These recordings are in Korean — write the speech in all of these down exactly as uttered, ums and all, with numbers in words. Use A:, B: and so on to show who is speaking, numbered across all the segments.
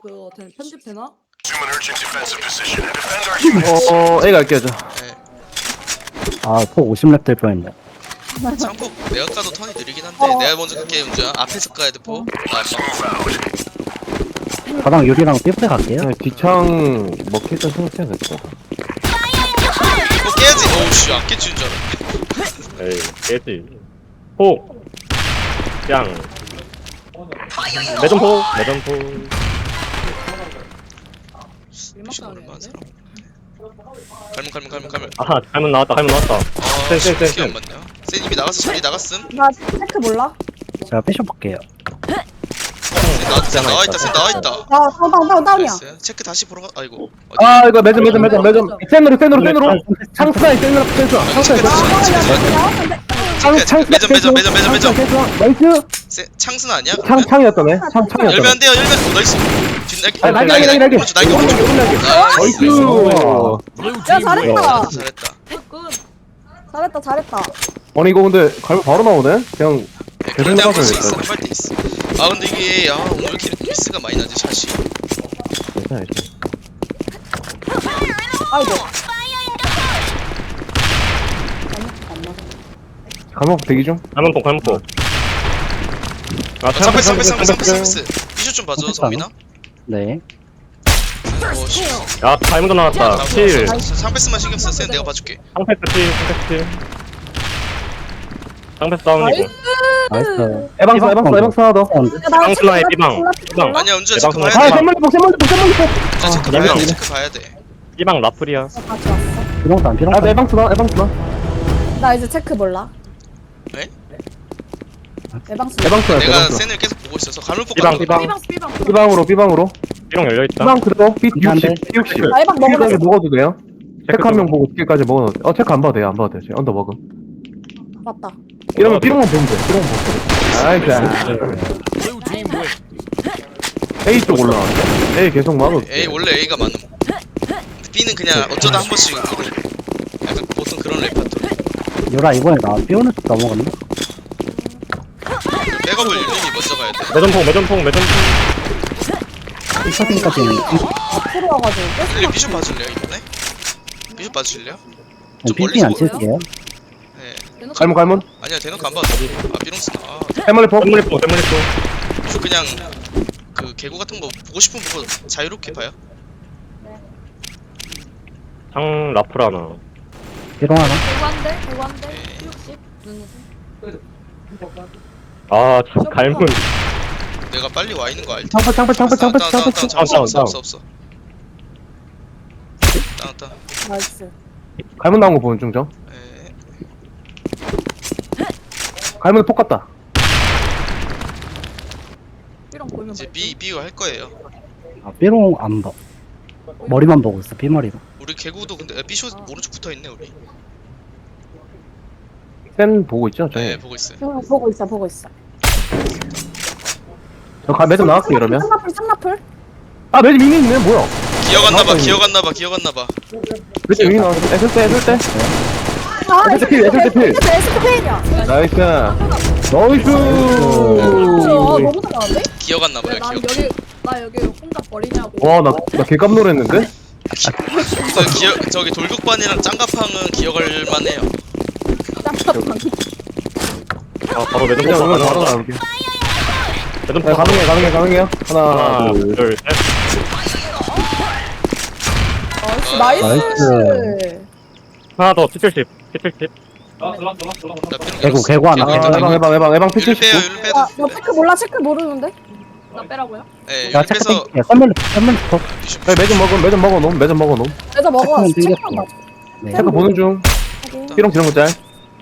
A: 그거 된- 편집되나?
B: 어, A 갈게요, 저.
C: 네.
D: 아, 폭 오십 렙 될 뻔했네.
C: 창폭 내가 까도 턴이 느리긴 한데
A: 어.
C: 내가 먼저 갈게 윤주야. 앞에서 까야 돼 포. 나 막.
D: 가방 유리랑 삐프에 갈게요.
B: 그냥 뒤창 먹힐 때 생각해야겠다.
C: 이거 깨야지. 어우씨 안 깨지는 줄 알았네.
E: 에이 깨지 폭 짱 매점폭 매점폭
C: 미션 얼마나 사람? 갈문 갈문 갈문 갈문.
E: 아하 갈문 나왔다 갈문 나왔다
C: 아,
E: 센, 센, 센,
C: 기억
E: 센.
C: 맞네요. 센 이미 나갔어. 자리 나갔음.
A: 나 체크 몰라?
D: 제가 삐숍 볼게요.
C: 센 나, 센 나와 있다. 센 나와 있다.
A: 나 다운 다운 다운 다운이야.
C: 나이스. 체크 다시 보러 가. 아이고. 어디?
B: 아, 이거 매점, 매점, 매점, 매점. 센으로, 센으로, 센으로. 창사이, 센으로, 센으로. 창사이,
C: 체크
B: 센으로.
C: 다시. 체크 다시.
B: 창,
C: 체크,
B: 창,
C: 매점 매점 매점 매점 매점.
B: 나이스.
C: 센 창순 아니야?
B: 창,
C: 그러면?
B: 창이었다네. 창, 창이었다네.
C: 열면 안 돼요. 열면. 어, 나이스. 뒷날개.
B: 아, 날개, 날개, 날개.
C: 오른쪽 날개 오른쪽.
B: 나이스.
C: 나이스.
A: 야 잘했다.
C: 잘했다.
A: 잘했다 잘했다.
B: 아니, 이거 근데 갈면 바로 나오네? 그냥.
C: 네, 그럴 때 한 번씩 있어.
B: 나가줘야겠다.
C: 한발 때 있어. 아 근데 이게 아 오늘 왜 이렇게 미스가 많이 나지 샷이.
B: 괜찮아, 괜찮아.
A: 아이고.
B: 갈면 대기 중.
E: 갈문폭 갈문폭 아
C: 상패 상패 상패 상패
E: 상패
C: 상패. 비슛 좀 봐줘
D: 상패스
C: 성민아.
D: 네.
C: 오 씨.
E: 야 갈문도 나왔다 칠
C: 상패스만 신경 써. 센 내가 봐줄게.
E: 상패스 칠 상패스 칠 상패스 다운이고
D: 나이스.
B: 에방스, 에방스, 에방스 하나 더.
E: 깡스나의 삐방 삐방
C: 아니야 은주야
E: 대박
C: 체크 봐야
B: 아,
C: 돼.
B: 샘물리폭, 샘물리폭, 샘물리폭.
C: 은주야 체크
E: 네
C: 봐야
E: 명.
C: 돼. 체크 봐야 돼.
E: 삐방 라플이야
A: 같이 왔어.
D: 비롱도 안 비롱.
B: 아, 나 에방스나, 에방스나.
A: 나 이제 체크 몰라.
C: 네?
A: 예방수.
B: 에방스나,
C: 내가
B: 에방스.
C: 센을 계속 보고 있어서 갈문폭
E: 삐방,
C: 가는
E: 삐방.
C: 거.
A: 삐방수 삐방수.
B: 삐방으로, 삐방으로.
E: 삐롱 열려있다
B: 삐방 그대로. 삐
D: 안 돼.
B: 육십, 삐 육십.
A: 나 예방 먹으면
B: 삐까지 먹어도 돼요? 체크 한 명
E: 좀-
B: 보고 삐까지 먹어도 돼. 어, 체크 안 봐도 돼요, 안 봐도 돼요. 언더 먹음.
A: 맞다.
B: 이러면 삐롱만 보면 돼, 삐롱만 보면 돼. 나이스. A 쪽 올라왔네. A 계속 막을.
C: A 원래 A가 많음. 근데 B는 그냥 어쩌다 한 번씩 그런. 약간 보통 그런 랩 파트.
D: 유라 이번에 나 삐오는 쪽 넘어갔네.
C: 백업을 윤민이 먼저 가야 돼.
E: 매점폭 매점폭 매점폭
D: 이 퍼센트까지는
A: 앞으로 와가지고.
C: 근데 비숍 봐줄래요 이번에? 비숍 봐주실래요? 좀
D: 삐삐 안
C: 멀리서
D: 칠게요.
C: 네.
B: 갈문, 갈문.
C: 아니야 대놓고 안 봐도 돼. 아 비롱스. 아
B: 해멀리폭.
E: 샘물리폭 샘물리폭
C: 비숍 그냥 그 개구 같은 거 보고 싶으면 보고 자유롭게 봐요.
E: 상 라플 하나
D: 비롱 하나.
A: 대관대 대관대.
C: 네.
A: 육십. 눈웃음.
E: 아 참, 갈문
C: 내가 빨리 와 있는 거 알지?
B: 창패, 창패, 창패, 창패,
C: 다운, 다운,
B: 창패.
C: 다운, 다운,
E: 다운,
C: 없어
E: 다운,
C: 없어 없어. 다운 다운.
A: 나이스.
B: 갈문 나온 거 보는 중, 저.
C: 에
B: 갈문에 폭 같다.
A: 삐롱 보이면
C: 이제
A: 말지.
C: B B가 할 거예요.
D: 아, 삐롱 안 봐. 머리만 보고 있어. 삐머리로.
C: 우리 개구도 근데 B쇼 오른쪽 붙어 있네 우리.
B: 센 보고 있죠, 저.
C: 네 보고 있어요.
A: 응, 보고 있어 보고 있어.
B: 저 가, 매점 나갈게, 이러면.
A: 쌍나풀 쌍나풀.
B: 아, 매점 이미 있네, 뭐야.
C: 기억 안 나봐
B: 나왔다,
C: 기억 안 나봐 기억 안 나봐.
B: 매점 이미 나왔어. 애슬 때, 애슬 때.
A: 아
B: 에스케 필, 에스케 필.
A: 에스케 페인이야.
B: 나이스. 나이스.
A: 아 너무 잘하는데?
C: 기억 안 나봐요
A: 난
C: 기억.
A: 여기 나 여기 혼자 버리냐고.
B: 와, 나, 나 개깜 놀했는데?
C: 저 기억 저기 돌격반이랑 짱가팡은 기억할 만해요.
A: 짱cap판.
E: 아 바로 매점폭
B: 그냥 오늘 바로
E: 하나
B: 나올게. 네,
E: 매점폭
B: 가능해, 가능해, 가능해요. 하나,
E: 하나
B: 둘.
E: 둘셋
A: 나이스 나이스.
D: 나이스.
E: 하나 더 칠칠십 칠칠십
C: 나 삐롱
D: 개구,
C: 열었어.
D: 개구 하나.
C: 개구
B: 아,
C: 열었어.
B: 해방, 해방, 해방, 해방
C: 율 빼요
B: 피칠십구.
C: 율 빼도.
A: 아, 너 체크 몰라 체크 모르는데? 나 빼라고요?
C: 네,
D: 야,
C: 율
D: 체크
C: 빼서
D: 땡길게요. 썸멜리, 썸멜리 폭.
C: 비숍.
B: 네, 매점 먹어, 매점 먹어 놓음, 매점 먹어 놓음.
A: 그래서 먹어.
D: 체크는
A: 체크만
D: 땡겼고.
A: 맞아.
D: 네.
B: 체크 보는 중.
A: 확인.
B: 삐롱 지른 거 짤.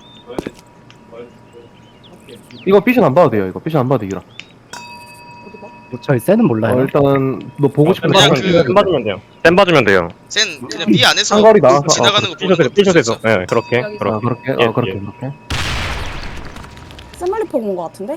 B: 이거 삐션 안 봐도 돼요, 이거. 삐션 안 봐도 되기라.
A: 어디 봐?
D: 저희 세는 몰라요.
B: 어, 일단은, 너 보고 싶은
C: 그냥
B: 거
C: 그-
E: 센 봐주면 돼요 센 봐주면 돼요
C: 센 그냥 B 안에서
B: 상거리 나와서,
C: 지나가는 거 보는
E: 삐셔서
C: 거
E: 삐셔서 예 그렇게
A: 여기서.
B: 아,
E: 그렇게
B: 그렇게?
E: 예,
B: 어, 그렇게,
E: 예.
B: 그렇게.
A: 샘멀리 포 온거 같은데?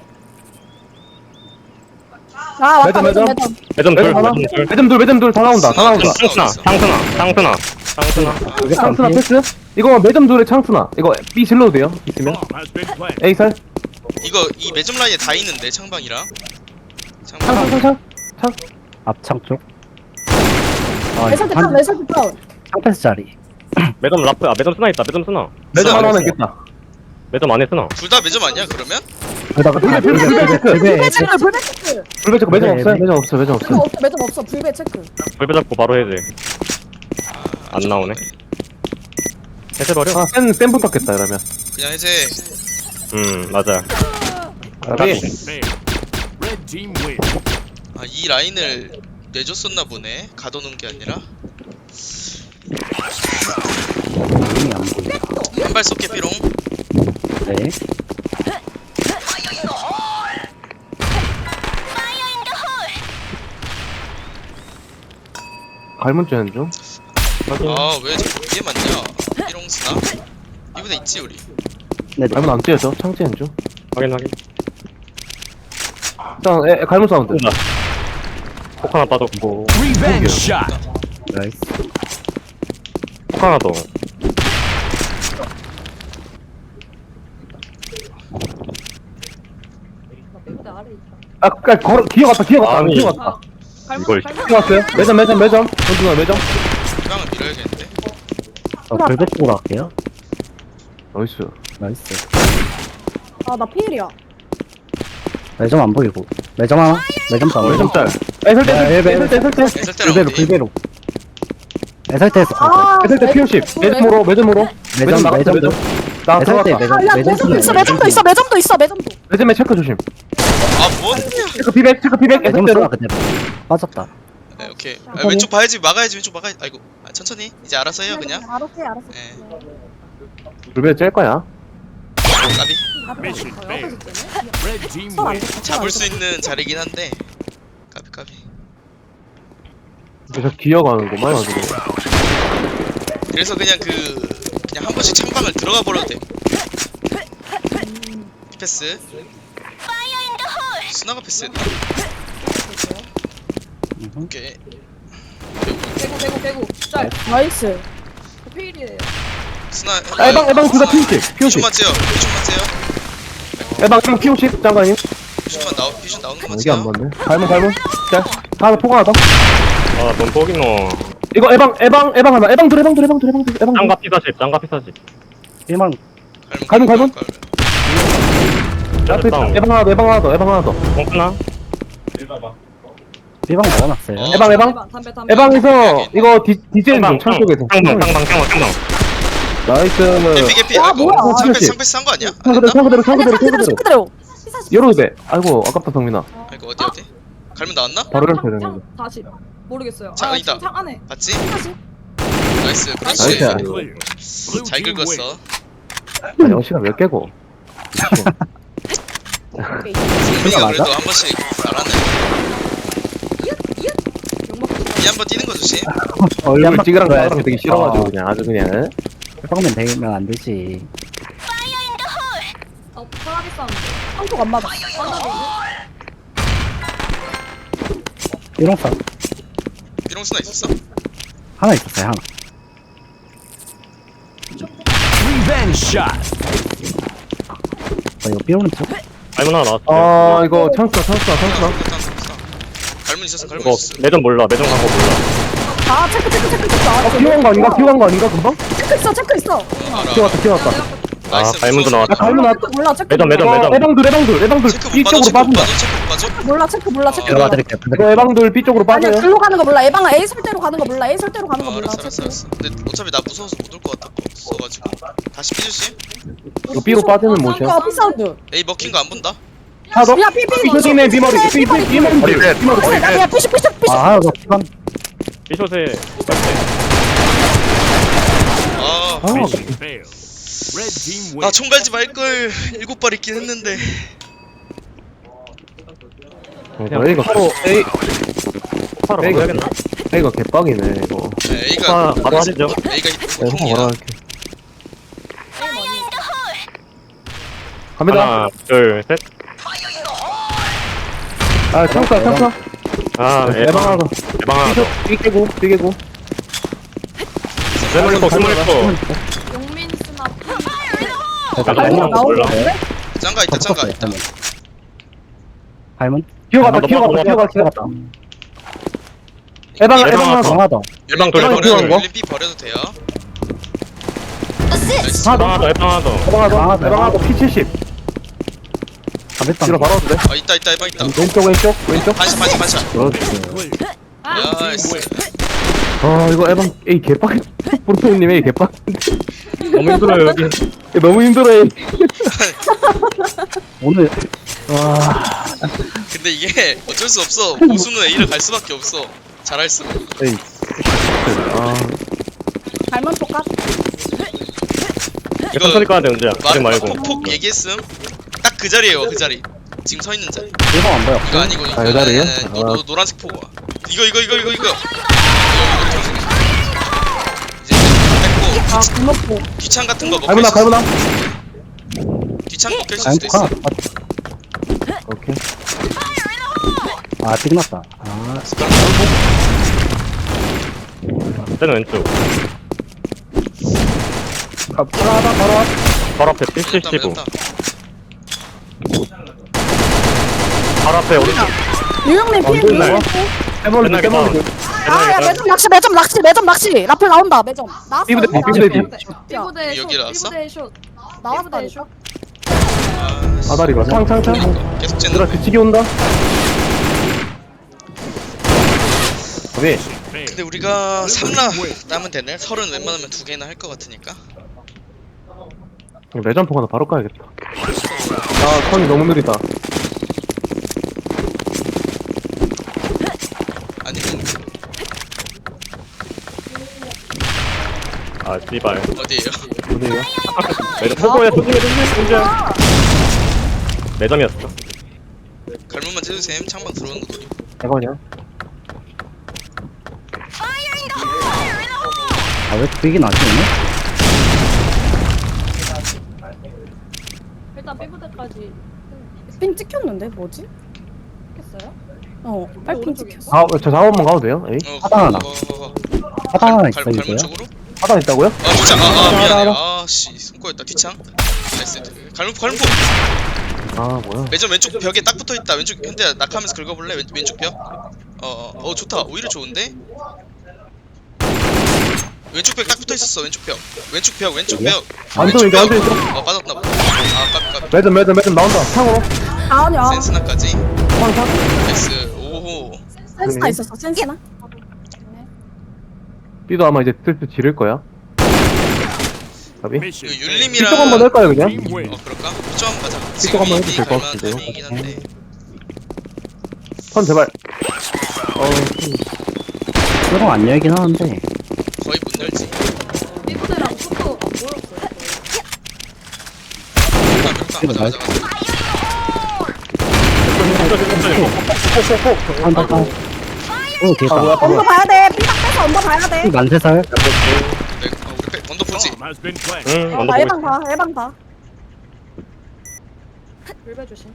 A: 아 맞다
B: 매점,
A: 매점
B: 매점.
A: 매점.
E: 매점 둘
B: 매점 하나?
E: 매점 둘
B: 매점 둘, 매점 둘 다 나온다, 다 나온다.
E: 창순아 창순아 창순아 창순아
B: 이게 창스나 패스? 이거 매점 둘에 창스나. 이거 B 질러도 돼요, 있으면. A 살.
C: 이거 이 매점 라인에 다 있는데 창방이랑.
B: 창,
C: 창방.
B: 창, 창, 창. 창.
D: 앞창 쪽. 아,
A: 매설대
D: 한-
A: 다운 매설대 다운.
D: 창패스 자리.
E: 매점 라프, 아, 매점 스나 있다, 매점 스나.
B: 매점
C: 쓰나?
B: 하나는 있겠다.
E: 매점 안에 스나.
C: 둘 다 매점 아니야 그러면?
D: 그러다가 다
B: 불배, 불배,
D: 불배,
B: 불배,
D: 불배,
A: 불배 체크 불배 체크.
B: 불배 체크 매점
D: 네,
B: 없어요?
D: 네.
B: 매점 없어 매점
A: 매점
B: 없어.
A: 없어 매점 없어 불배 체크.
E: 불배 잡고 바로 해제. 안
C: 좀
E: 나오네.
C: 그러네.
E: 해제버려?
B: 아센센 붙었겠다 이러면.
C: 그냥 해제.
E: 음, 맞아.
B: 아비.
F: Red team win.
C: 아 이 라인을 내줬었나 보네. 가둬놓은 게 아니라.
D: 힘이 안 보여.
C: 한 발 쏠게 삐롱.
D: 네.
B: 갈문 쬐는 중.
C: 아왜 자꾸 위에 맞냐? 삐롱 스나. 이분에 있지 우리.
D: 네, 네.
B: 갈문 안 쬐죠? 창 쬐는 중.
E: 확인, 확인.
B: 일단 에, 에, 갈문 사운드.
E: 쏜다. 폭 하나 빠졌고,
F: Revenge shot.
D: 나이스.
E: 폭 하나 더.
B: 아, 아 걸어 기어갔다 기어갔다
E: 아니.
B: 기어갔다.
E: 이걸
B: 기어갔어요? 매점 매점 매점. 전투나 매점.
C: 희망을 밀어야겠는데.
D: 저 불배 쪽으로 갈게요.
B: 나이스.
D: 나이스.
A: 아나 피일이야.
D: 매점 안 보이고. 매점 하나? 매점 다운.
B: 매점 짤. 에설대
D: 야,
B: 에설대
D: 예,
B: 에설대 에설대.
C: 애설 때랑
D: 불배로,
C: 어디?
D: 불배로. 에설테에서
A: 아
B: 에설대 피오십. 매점으로 매점으로.
D: 매점,
B: 나갔다
D: 매점도.
B: 매점. 나
D: 에설테
B: 들어갔다.
D: 매점,
A: 야
D: 매점
A: 매점도 있어
D: 쓰나,
A: 매점도 있어 매점도 있어 매점도.
B: 매점에 체크 조심.
C: 아 뭐냐?
B: 체크 피백 체크 피백
D: 매점
B: 에설대로.
D: 쓰나 그대로. 빠졌다.
C: 네 오케이. 아, 왼쪽 봐야지 막아야지 왼쪽 막아야지. 아이고 아, 천천히 이제 알아서 해요 그냥.
A: 알았어 알았어.
C: 예.
B: 불배 짤 거야.
C: 까비.
F: Mission failed. Red team
A: 손안
F: win.
A: 돼.
C: 잡을 수 있는 자리긴 한데. 까비 까비.
B: 그래서 기어가는구만 아주.
C: 그래서 그냥 그 그냥 한 번씩 창방을 들어가 버려도 돼. 패스. 스나가 패스했나?
D: 음흠.
C: 오케이.
A: 개구 개구 개구. 짤. 나이스. 피일이에요.
C: 스나.
B: 아, 에방 에방 둘다 피오십. 피오십.
C: 비슛만 째요. 비슛만 째요.
B: 에방 에방 피오십 장관님.
C: 비슛만 나오 비슛 나오는 것만
B: 이게 안
C: 째요.
B: 맞네. 갈문 갈문. 짤. 하나 포가 하나 더.
E: 아, 넌 포기노.
B: 이거 에방 에방 에방 하나. 에방 둘 에방 둘 에방 둘 에방 둘 에방 둘.
E: 짱가 피사십, 짱가 피사십.
D: 일만
B: 갈문, 갈문?
E: 매점 다운.
B: 에방 하나 더 에방 하나 더 에방 하나 더.
E: 폭 하나?
D: 일방 넣어놨어요.
C: 어.
B: 에방 에방.
A: 담배 담배.
B: 에방에서 이거 디 디젤
E: 짱방,
B: 중 창쪽에서.
E: 짱방, 짱방, 짱방, 짱방.
B: 나이스.
C: 개피 개피.
A: 아,
C: 아이고
A: 뭐야.
C: 상패스
B: 피오십.
C: 상패스 한거 아니야? 안
B: 창 그대로
C: 됐나?
B: 창 그대로 창
A: 아니야
B: 그대로 창
A: 상대대로
B: 그대로.
A: 상대대로.
B: 열어도 돼. 아이고 아깝다 성민아.
C: 아이고 어디 어디? 갈문 나왔나?
B: 바로 이렇게 되는 거.
A: 다시 모르겠어요.
C: 자,
A: 아,
C: 있다.
A: 지금 창 안에.
C: 봤지?
A: 다시.
C: 나이스.
B: 나이스.
C: 그렇지.
F: Clear. Blue
C: 잘
F: team win.
C: 긁었어.
B: 아 영시가 몇 개고.
A: 오케이.
C: 승민이가
D: 맞아?
C: 그래도 한 번씩 잘하네. 이 한 번 뛰는 거 조심.
B: 얼굴 찌그랑 거랑 되게 싫어가지고 그냥 아주 그냥.
D: 해방면 되면 안 되지.
A: 어, 편하게 싸우는데. 한쪽 안 맞아.
D: 일용사
C: 비롱 스나 있었어?
D: 하나 있었어요, 하나.
F: Revenge shot.
D: 어, 이거 삐오는 쪽?
E: 갈문 하나 나왔어.
B: 아 이거 찬스다 찬스다 찬스다.
C: 갈문 있었어 갈문
E: 이거
C: 있었어.
E: 매점 몰라, 매점 간 거 몰라.
A: 아 체크 체크 체크 체크. 아,
B: 어 기어간 거 아닌가? 기어간 거 아닌가 금방?
A: 체크 있어 체크 있어.
C: 어, 알아.
B: 기어갔다 기어갔다.
E: 아,
C: 나이스.
E: 갈문도
C: 무서워.
E: 나왔다.
B: 아 갈문 나왔다.
A: 몰라 체크.
E: 매점, 매점,
A: 몰라.
E: 매점.
B: 어, 에방들 에방들 에방들
C: 체크
B: B
C: 못 봐줘.
B: 쪽으로
C: 체크 못
B: 빠진다.
C: 봐줘. 체크 못 봐줘.
A: 몰라 체크 몰라 체크.
D: 들어가 드릴게요.
B: 이거 에방들 B 쪽으로
A: 아니야
B: 빠져요.
A: 글로 가는 거 몰라. 에방아 A 설대로 가는 거 몰라. A 설대로 가는 거
C: 어,
A: 몰라.
C: 알았어 알았어
A: 체크.
C: 알았어. 근데 어차피 나 무서워서 못 올 것 같았어가지고. 다시 B 조심.
B: 이거 B로 빠지는 모션.
A: 아 피사운드.
C: A 먹힌 거 안 본다.
B: 하나 더.
A: 야 삐삐.
B: 피쇼딩네 비머리 삐삐 비머리 비머리.
A: 야 피시 피시 피시.
D: 아, 하나 더 피방.
E: 비숏에,
C: 아,
B: 아
F: Mission failed. Red team win.
C: 아 총갈지 말걸. 일곱 발 있긴 했는데.
B: A가 서로 A
E: 폭파로
B: A가
E: 가야겠나?
B: A가 개빡이네 이거.
C: 네, A가
E: 폭파 바로 하시죠.
C: A가
B: 내가
C: 보통이야.
B: 뭐라 할게. 갑니다.
E: 하나, 둘, 셋.
B: 아 창사 창사.
E: 아,
B: 에방
E: 에방,
B: 하나 더.
E: 에방 하나 더.
B: B 깨고 B 깨고.
E: 스물포, 스물포.
A: 용민 스나.
E: 나도
A: 갈문
E: 에방 몰라.
A: 나오는데?
C: 짱가 있다 짱가 있다.
D: 발문?
B: 기어갔다
E: 한번
B: 기어갔다
E: 넘어가,
B: 기어갔다.
D: 들어갔다.
B: 에방
E: 에방
B: 에방 하나 더.
D: 강하다.
E: 일방
C: 율림
E: 돌려,
C: 버려도
B: 돌려.
C: 율림 B 버려도 돼요. 나이스.
E: 에방 하나 더, 에방 하나 더.
B: 에방 하나 더.
D: 강하다.
B: 에방 하나 더. 피 칠십.
D: 가볍다.
B: 뒤로 바로 와도 돼.
C: 아 있다 있다 에방 있다.
B: 왼쪽 왼쪽 왼쪽.
C: 반샷 반샷 반샷.
D: 그렇지.
F: Clear.
C: 나이스.
B: 아 이거 에방 에이 개빡. 프로토님 에이 개빡.
E: 너무 힘들어요, 여기.
B: 너무 힘들어 에이.
D: 오늘 와
C: 근데 이게 어쩔 수 없어. 보수는 A를 갈 수밖에 없어. 잘할수록.
B: 에이. 아
A: 갈만 똑같.
C: 이거
E: 천천히 까야 돼, 은재야. 그러지
C: 말
E: 말고.
C: 폭폭 얘기했음. 딱 그 자리에요 그 자리. 지금 서 있는 자리.
D: 일방 안 보여.
C: 이거 아니고 이거.
B: 아, 이 자리에요?
C: 아니, 아니, 아니, 노,
B: 아.
C: 노, 노란색 포가. 이거 이거 이거 이거 이거. 이거 이거 청색이. 이제 뺐고
A: 아
C: 귀-
A: 군목포.
C: 귀창 같은 거 먹혀
B: 갈무나
C: 있을
B: 갈무나.
C: 귀창 먹혀 있을
D: 아니
C: 수도 있어.
D: 카.
B: 오케이.
D: 아 삐났다. 아
E: 쟤는 왼쪽.
B: 가 바로 하다 바로 와.
E: 바로 앞에 피
C: 매점다
E: 칠십오.
C: 매점다.
E: 바로 앞에 오른쪽.
A: 유영님
B: 어,
A: 피해
B: 또
A: 유영님
B: 있나요?
A: 피해.
B: 해볼래
E: 끝나게
B: 해볼래.
A: 아야 매점 낚시 매점 낚시 매점 낚시 라플 나온다 매점. 나왔어.
B: 삐부대
A: 나왔어.
B: 삐부대.
A: 삐부대 숏,
C: 여기 나왔어?
A: 삐부대 숏. 나왔다니까.
C: 아, 씨.
B: 아다리가 창창창.
C: 계속
B: 얘들아
C: 째는.
B: 뒤치기 온다. 오케이.
C: 근데 우리가 삼 라 따면 되네. 서른 웬만하면 두 개나 할 것 같으니까.
B: 레전포 하나 바로 까야겠다. 아 턴이 너무 느리다.
C: 아니면
E: 아, 씨발.
C: 어디에요?
B: 어디에요?
E: 매점 포고야, 조심해, 조심해, 은재야. 매점이었어.
C: 갈문만 째주셈. 창방 들어오는 거 노리.
B: 대박이야.
D: 아왜 이렇게 삐긴 나지 오늘?
A: 일단 삐부대까지. 핀 찍혔는데 뭐지? 찍혔어요? 어, 빨핀 찍혔어.
B: 아저 사업만 가도 돼요? 에이?
C: 어,
D: 하단 하나.
C: 어, 어, 어.
D: 하단 하나
C: 갈-
D: 있어
C: 갈-
D: 이거요?
C: 갈문 쪽으로?
B: 하단 있다고요?
C: 아 귀창. 아, 아 미안해.
B: 알아, 알아.
C: 아씨 손꼬였다. 귀창. 나이스. 갈문 갈문.
B: 아 뭐야?
C: 매점 왼쪽 벽에 딱 붙어 있다. 왼쪽 현대야 낙하면서 긁어볼래? 왼, 왼쪽 벽. 어어 어, 어, 좋다. 오히려 좋은데. 왼쪽 벽 딱 붙어 있었어. 왼쪽 벽. 왼쪽 벽. 왼쪽 벽.
B: 완전
C: 왼쪽
B: 이제 완전
C: 벽.
B: 있어.
C: 어 빠졌나 보다. 아 깝, 깝.
B: 매점 매점 매점 나온다. 창으로.
A: 아니야.
C: 센스나까지.
B: 창창.
C: 나이스. 오호.
A: 센스나 있었어. 센스나.
B: B도 아마 이제 슬슬 지를 거야. 가비.
F: Mission
C: 이거
F: failed.
C: 율림이랑
B: B쪽 한번 할까요 그냥?
F: Team win.
C: 어 그럴까? 좀 한번 가자.
B: B쪽 한번 해도
C: 지금
B: 될것
C: 갈만한
B: 같은데요?
C: 타이밍이긴 한데.
B: 턴 제발. 어.
D: 일방 안 열긴 하는데
C: 거의 못 열지.
A: 삐부대랑 숏도 안 보였어요.
C: 가자 가자 가자. 가자.
D: 한다 한. 오
B: 아
D: 됐다.
B: 뭐야?
A: 언더 봐야 돼. 삐딱 빼서 언더 봐야 돼.
D: 만세살.
C: 네, 어, 우리 백 언더 보지.
F: Bomb has been planted.
E: 응,
A: 어,
E: 언더
A: 나
E: 보고
A: 예방
E: 있어.
A: 봐. 예방 봐. 불배 조심.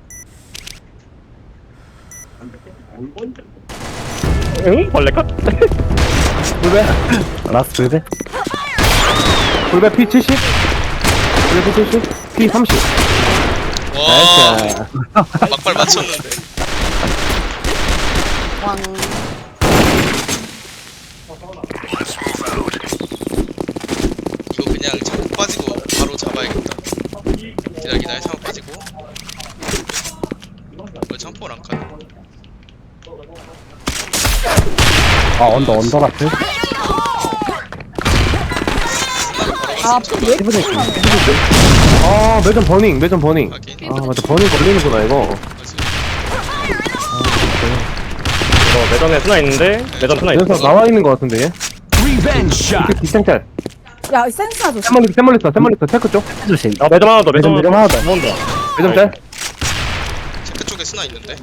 E: 응? 벌레 컷?
B: 불배.
D: 라스트 불배.
B: 불배 P 칠십. 불배 P 칠십. P 삼십.
C: 와 막발 맞췄는데.
A: 왕.
C: 이거 그냥 창고 빠지고 바로 잡아야겠다. 기다려 기다려 창고 빠지고. 왜 창포를 안 가?
D: 아 언더 언더 라스트.
A: 아, 왜?
D: 피부대 있어.
B: 아 매점 버닝 매점 버닝.
C: 하긴.
B: 아 맞다 버닝 걸리는구나 이거.
C: 그치.
E: 이거 매점에 스나 있는데, 매점 스나 있어.
B: 그래서 나와 있는 거 같은데 얘.
F: Revenge shot.
B: 뒷창짤.
A: 야, 센스나 조심.
B: 샘멀리스 샘멀리스 샘멀리스 체크 쪽.
D: 조심.
E: 아, 매점 하나 더, 매점
D: 매점
E: 하나
D: 하나 더.
E: 온다.
B: 매점 짤.
C: 체크 쪽에 스나 있는데.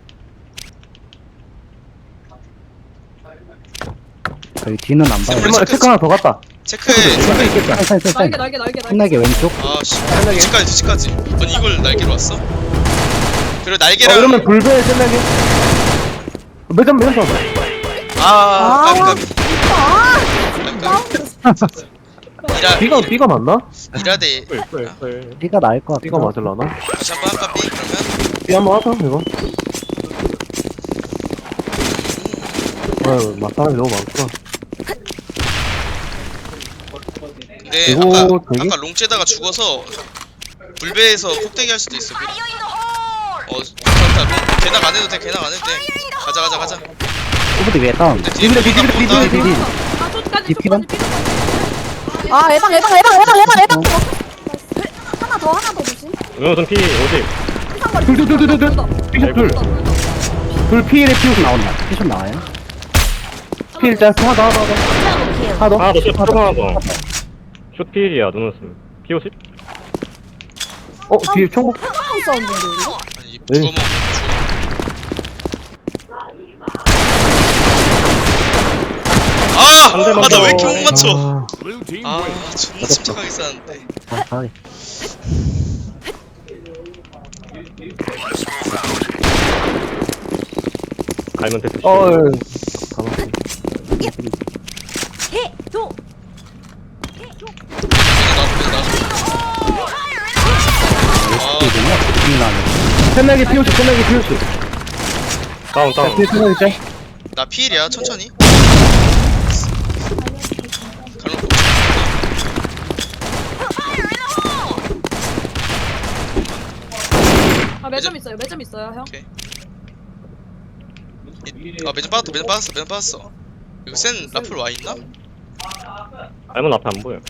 D: 저희 뒤는 안 봐요.
B: 샘멀 체크 하나 더 갔다.
C: 체크에
D: 셀 있겠다. 셀셀셀.
A: 날개, 날개, 날개, 날개.
D: 끝나게 왼쪽.
C: 아씨 뒤치까지 뒤치까지. 아니 이걸 날개로 왔어? 그리고
B: 어
C: 날개랑
B: 이러면 불배 끝나게. 매점 매점 더.
C: 아 까비
A: 아.
C: 까비.
A: 아,
C: 까비 까비. 이라
B: B가 B가 맞나?
C: 이라데
D: B가 나을 것 같아.
B: B가 맞을라나?
C: 다시 한번 할까 B 그러면.
B: B 한번 하자 이거. 아유, 막 사람이 너무 많구나.
C: 근데
B: 이거
C: 아까
B: 되게-
C: 아까 롱째다가 죽어서 불배에서 폭대기 할 수도 있어. 미리. 어 괜찮다. 롱 개낙 안 해도 돼. 개낙 안 해도 돼. 가자 가자 가자.
D: 오브디 위에 다운.
C: 근데 뒤에
B: 디디디,
C: 나
B: 디디디,
C: 본다.
B: 디디디.
D: 디디.
A: 아 저까지
D: 디피건?
A: 저까지 삐 아 예방 예방 예방 예방 예방 예방 하나 더 하나 더 조심
E: 은호선 피 오십.
A: 한상거리
B: 둘, 둘, 둘, 둘, 둘. 피숍 둘. 둘 피일에 피우스 나와.
D: 나온다. 피숍 나와요.
B: 피일 짤 하나 더, 하나 더. 하나 더.
E: 하나 더, 슛 하나 더. 슛 필이야, 눈웃음. 피 오십?
B: 어, 뒤에 총복.
A: 한상 사운드인데 이거?
C: 아니
B: 네.
C: 죽어먹. 죽어. 아!
E: 한 대만
C: 아 나 왜
E: 더.
C: 이렇게 못 맞춰?
B: 아,
F: Blue team
C: 아
F: wins.
C: 존나 침착하게 쐈는데.
D: 아, 가위.
E: 갈면 됐어.
B: 어, 예.
C: 아,
D: 이거냐? 디디 나네.
B: 캔나게 피우스, 캔나게 피우스.
E: 다운,
B: 자,
E: 다운.
B: 뒤에 캔나게 짤.
C: 나 피일이야 천천히. 갈로
A: 아 매점 있어요 매점 있어요 형
C: 오케이. 이- 아 매점 빠졌다 매점 빠졌어 매점 빠졌어. 이거 센 라플 와 있나?
E: 갈면 앞에 안 보여.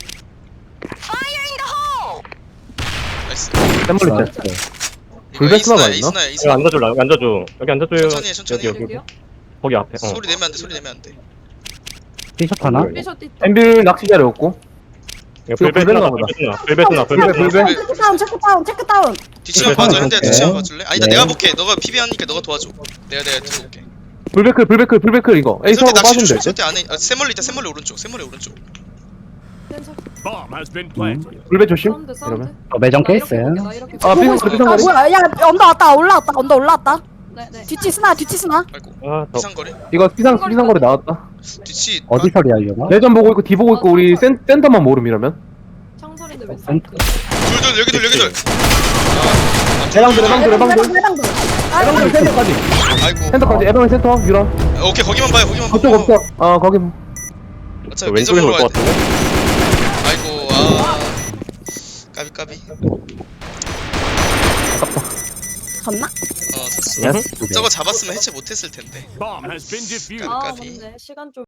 C: 나이스.
B: 샘물리 짤.
C: 이거
B: 불배
C: 에이스나야
B: 스나가 있나?
C: 에이스나야
E: 여기
C: 에이스나.
E: 앉아줘, 여기 앉아줘. 여기 앉아줘요.
C: 천천히 해 천천히
E: 여기,
C: 해.
E: 여기.
A: 여기요?
E: 거기 앞에. 어.
C: 소리 내면 안돼 소리 내면 안돼.
D: 피숍 하나?
E: 네.
A: 삐셔 띠
B: 엠빌 낚시 자리였고.
E: 이거 불배
B: 불배인가
E: 스나,
B: 보다.
E: 불배 스나, 불배 스나, 불배
B: 불배,
E: 스나.
B: 불배.
A: 체크 다운 체크 다운 체크 다운
C: 뒤치만
E: 네,
C: 봐줘
E: 네.
C: 현대야
D: 네.
C: 뒤치만 봐줄래? 아니다
D: 네.
C: 내가 볼게. 너가 피비 하니까 너가 도와줘. 내가 내가 들어올게.
B: 불배클, 불배클, 불배클 이거. 에이스하고
C: 설대 낚시
B: 빠지면
C: 조심.
B: 될 듯?
C: 설대 안에 아, 세멀리 있다 세멀리 오른쪽 세멀리 오른쪽.
F: Bomb has been planted.
B: 불배 조심.
A: 사운드 사운드
B: 이러면.
D: 어, 매점
A: 나 이렇게
D: 케이스.
A: 볼게, 나 이렇게
B: 아,
A: 볼게.
B: 삐상,
A: 아,
B: 삐상 거리.
A: 뭐야 야 언더 왔다 올라왔다 언더 올라왔다 네네 뒤치 스나 뒤치 스나
C: 아이고
E: 아, 더.
C: 이상거리.
B: 이거 피상, 피상거리 나왔다.
C: 뒤치
D: 어디 설이야, 이거?
B: 내전 보고 있고, 뒤 보고 있고, 우리 센, 센터만 모름 이러면.
A: 창설인데 왜
D: 센터.
C: 둘둘 여기둘 여기둘.
B: 해방들, 해방들, 해방들.
A: 해방들 해방들
B: 해방들 센터까지.
C: 아이고.
B: 센터까지, 해방의 센터, 유라.
C: 오케이 거기만 봐요 거기만
B: 그쪽
C: 보고.
B: 없어. 아, 거기.
C: 어차피
E: 왼쪽에서
C: 매점으로
E: 올
C: 와야
E: 것
C: 돼.
E: 같은데?
C: 아이고 아 까비 까비.
A: 갔나?
C: 어 졌어.
B: 예스.
C: 저거 잡았으면 해체 못했을 텐데.
F: Bomb has been defused.
A: 아
C: 까비.
A: 맞네 시간 좀